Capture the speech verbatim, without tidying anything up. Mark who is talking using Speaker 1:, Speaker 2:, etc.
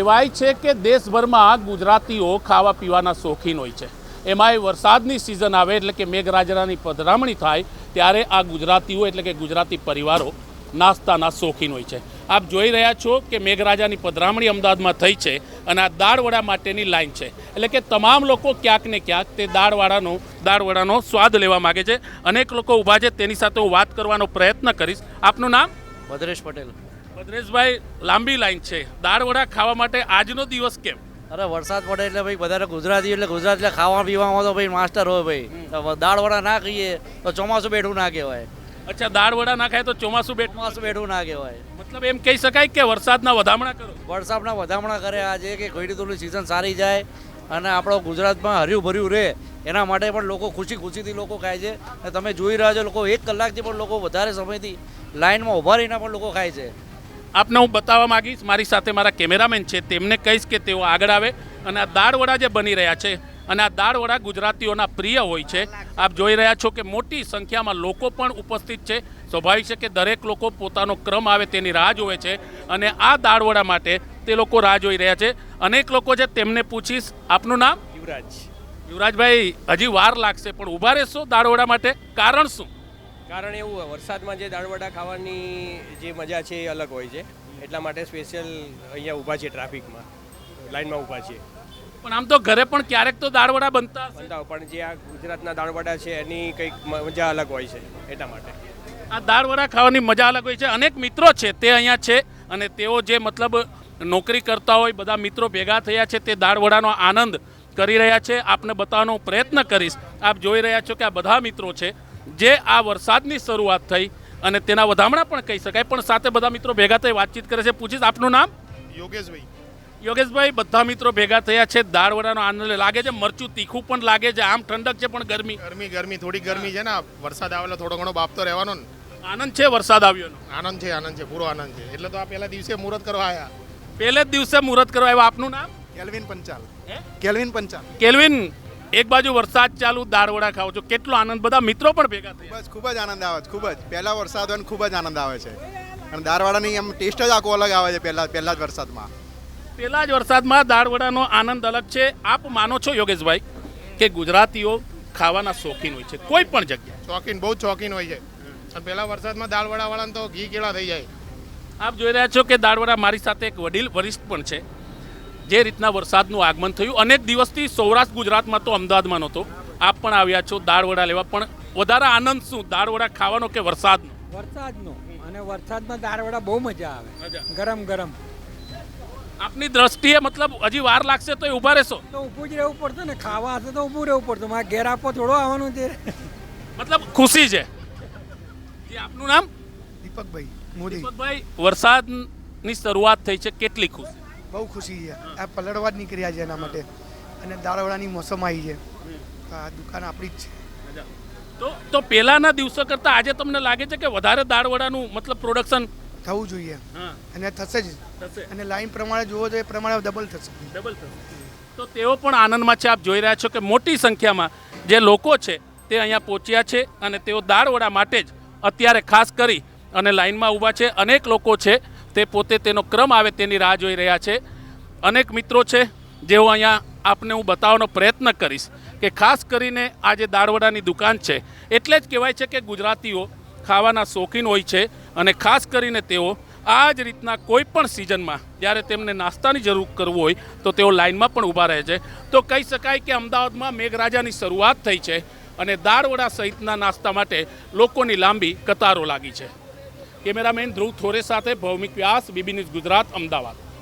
Speaker 1: કહેવાય છે કે દેશભરમાં ગુજરાતીઓ ખાવા પીવાના શોખીન હોય છે। એમાંય વરસાદની સિઝન આવે એટલે કે મેઘરાજાની પધરામણી થાય ત્યારે આ ગુજરાતીઓ એટલે કે ગુજરાતી પરિવારો નાસ્તાના શોખીન હોય છે। આપ જોઈ રહ્યા છો કે મેઘરાજાની પધરામણી અમદાવાદમાં થઈ છે અને આ દાળવડા માટેની લાઈન છે, એટલે કે તમામ લોકો ક્યાંક ને ક્યાંક તે દાળવડાનો દાળવડાનો સ્વાદ લેવા માગે છે। અનેક લોકો ઊભા છે, તેની સાથે હું વાત કરવાનો પ્રયત્ન કરીશ। આપનું નામ?
Speaker 2: ભદ્રેશ પટેલ।
Speaker 1: ભદ્રેશભાઈ, લાંબી લાઈન છે, દાળવડા ખાવા માટે આજનો દિવસ કેમ?
Speaker 2: અરે વરસાદ પડે એટલે ભાઈ વધારે ગુજરાતી એટલે ગુજરાત એટલે ખાવા પીવામાં તો ભાઈ માસ્ટર હોય ભાઈ, તો દાળવડા ના ખાઈએ તો ચોમાસું બેઠું ના કહેવાય।
Speaker 1: અચ્છા, દાળવડા ના ખાય તો ચોમાસું બેઠું
Speaker 2: ચોમાસું બેઠું ના કહેવાય,
Speaker 1: મતલબ એમ કહી શકાય કે વરસાદના વધામણા કરો?
Speaker 2: વરસાદના વધામણા કરે આજે કે ખેડૂતોની સિઝન સારી જાય અને આપણો ગુજરાતમાં હર્યું ભર્યું રહે એના માટે પણ લોકો ખુશી ખુશીથી લોકો ખાય છે। અને તમે જોઈ રહ્યા છો લોકો એક કલાકથી પણ લોકો વધારે સમયથી લાઈનમાં ઊભા રહીને પણ લોકો ખાય છે।
Speaker 1: આપને હું બતાવવા માંગીશ, મારી સાથે મારા કેમેરામેન છે, તેમને કહીશ કે તેઓ આગળ આવે અને આ દાળવડા જે બની રહ્યા છે અને આ દાળવડા ગુજરાતીઓના પ્રિય હોય છે। આપ જોઈ રહ્યા છો કે મોટી સંખ્યામાં લોકો પણ ઉપસ્થિત છે। સ્વાભાવિક છે કે દરેક લોકો પોતાનો ક્રમ આવે તેની રાહ જોવે છે અને આ દાળવડા માટે તે લોકો રાહ જોઈ રહ્યા છે। અનેક લોકો છે, તેમને પૂછીશ। આપનું નામ?
Speaker 3: યુવરાજ।
Speaker 1: યુવરાજભાઈ, હજી વાર લાગશે પણ ઊભા રહેશો દાળવડા માટે? કારણ શું?
Speaker 3: કારણ એવું હોય, વરસાદમાં જે દાળવડા ખાવાની જે મજા છે એ અલગ હોય છે, એટલા માટે સ્પેશિયલ અહીંયા ઊભા છે, ટ્રાફિકમાં લાઈનમાં ઊભા છે।
Speaker 1: પણ આમ તો ઘરે પણ ક્યારેક તો દાળવડા બનતા હશે?
Speaker 3: બનતા હોય, પણ જે આ ગુજરાતના દાળવડા છે એની કંઈક મજા અલગ હોય છે, એટલા માટે
Speaker 1: આ દાળવડા ખાવાની મજા અલગ હોય છે। અનેક મિત્રો છે તે અહીંયા છે અને તેઓ જે મતલબ નોકરી કરતા હોય બધા મિત્રો ભેગા થયા છે, તે દાળવડાનો આનંદ કરી રહ્યા છે। આપને બતાવવાનો પ્રયત્ન કરીશ। આપ જોઈ રહ્યા છો કે આ બધા મિત્રો છે જે આ વરસાદની શરૂઆત થઈ અને તેના વધામણા પણ કહી શકાય, પણ સાથે બધા મિત્રો ભેગા થઈ વાતચીત કરે છે। પૂછીશ, આપનું નામ?
Speaker 4: યોગેશભાઈ।
Speaker 1: યોગેશભાઈ, બધા મિત્રો ભેગા થયા છે, દાળવડાનો આનંદ લાગે છે? મરચું તીખું પણ લાગે છે, આમ ઠંડક છે પણ ગરમી
Speaker 4: ગરમી ગરમી થોડી ગરમી છે ને, વરસાદ આવેલો થોડો ઘણો બાપ તો રહેવાનો ને।
Speaker 1: આનંદ છે વરસાદ આવ્યોનો?
Speaker 4: આનંદ છે, આનંદ છે, પૂરો આનંદ છે। એટલે તો આ પહેલા દિવસે મુહૂર્ત કરવા આવ્યા।
Speaker 1: પહેલે જ દિવસે મુહૂર્ત કરવા આવ્યા। આપનું નામ?
Speaker 4: કેલ્વિન પંચાલ।
Speaker 1: હે?
Speaker 4: કેલ્વિન પંચાલ।
Speaker 1: કેલ્વિન, એક બાજુ વરસાદ ચાલુ, દાળવડા ખાઓ છો, કેટલો આનંદ, બધા મિત્રો પણ ભેગા થયા?
Speaker 5: બસ ખૂબ જ આનંદ આવે છે, ખૂબ જ પહેલા વરસાદ હોય ને ખૂબ જ આનંદ આવે છે અને દાળવડાની એમ ટેસ્ટ જ આખો અલગ આવે છે પહેલા પહેલા જ વરસાદમાં।
Speaker 1: પહેલા જ વરસાદમાં દાળવડાનો આનંદ અલગ છે। આપ માનો છો યોગેશભાઈ કે ગુજરાતીઓ ખાવાના શોખીન હોય છે કોઈ પણ જગ્યાએ?
Speaker 4: શોખીન, બહુ જ શોખીન હોય છે અને પહેલા વરસાદમાં દાળવડા વાળાને તો ઘી કેળા થઈ જાય।
Speaker 1: આપ જોઈ રહ્યા છો કે દાળવડા, મારી સાથે એક વડીલ વરિષ્ઠ પણ છે। જે રીતના વરસાદનું આગમન થયું, અનેક દિવસથી સૌરાષ્ટ્ર ગુજરાતમાં તો અમદાવાદમાં નહોતો, આપ પણ આવ્યા છો દાળવડા લેવા, પણ વધારે આનંદ શું, દાળવડા ખાવાનો કે વરસાદનો?
Speaker 6: વરસાદનો, અને વરસાદમાં દાળવડા બહુ મજા આવે, ગરમ ગરમ।
Speaker 1: આપની દ્રષ્ટિએ મતલબ હજી વાર લાગશે તો ઊભા રહેશો?
Speaker 6: તો ઊભું જ રહેવું પડતું ને, ખાવા હશે તો ઊભું રહેવું પડતું, મારે ઘેર આપો થોડો આવવાનું છે।
Speaker 1: મતલબ ખુશી છે। જી, આપનું નામ?
Speaker 7: દીપકભાઈ મોદી।
Speaker 1: દીપકભાઈ, વરસાદની શરૂઆત થઈ છે, કેટલી ખુશી?
Speaker 7: બહુ ખુશી છે, આ પલળવા જ નીકળ્યા છે એના માટે, અને દાળવડાની મોસમ આવી છે, આ દુકાન આપણી જ છે।
Speaker 1: તો તો પહેલાના દિવસો કરતાં આજે તમને લાગે છે કે વધારે દાળવડાનું મતલબ પ્રોડક્શન
Speaker 7: થવું જોઈએ
Speaker 1: હા
Speaker 7: અને થશે જ,
Speaker 1: થશે?
Speaker 7: અને લાઈન પ્રમાણે જુઓ તો એ પ્રમાણે ડબલ થશે।
Speaker 1: ડબલ થશે। તો તેઓ પણ આનંદમાં છે। આપ જોઈ રહ્યા છો કે મોટી સંખ્યામાં જે લોકો છે તે અહીંયા પહોંચ્યા છે અને તેઓ દાળવડા માટે જ અત્યારે ખાસ કરી અને લાઈનમાં ઊભા છે। અનેક લોકો છે તે પોતે તેનો ક્રમ આવે તેની રાહ જોઈ રહ્યા છે। અનેક મિત્રો છે જેઓ અહીંયા આપને હું બતાવવાનો પ્રયત્ન કરીશ કે ખાસ કરીને આ જે દાળવડાની દુકાન છે, એટલે જ કહેવાય છે કે ગુજરાતીઓ ખાવાના શોખીન હોય છે અને ખાસ કરીને તેઓ આ જ રીતના કોઈ પણ સિઝનમાં જ્યારે તેમને નાસ્તાની જરૂર કરવું હોય તો તેઓ લાઇનમાં પણ ઊભા રહે છે। તો કહી શકાય કે અમદાવાદમાં મેઘરાજાની શરૂઆત થઈ છે અને દાળવડા સહિતના નાસ્તા માટે લોકોની લાંબી કતારો લાગી છે। કેમેરામેન ધ્રુવ થોરે સાથે ભૌમિક વ્યાસ, બીબી ન્યૂઝ ગુજરાત, અમદાવાદ।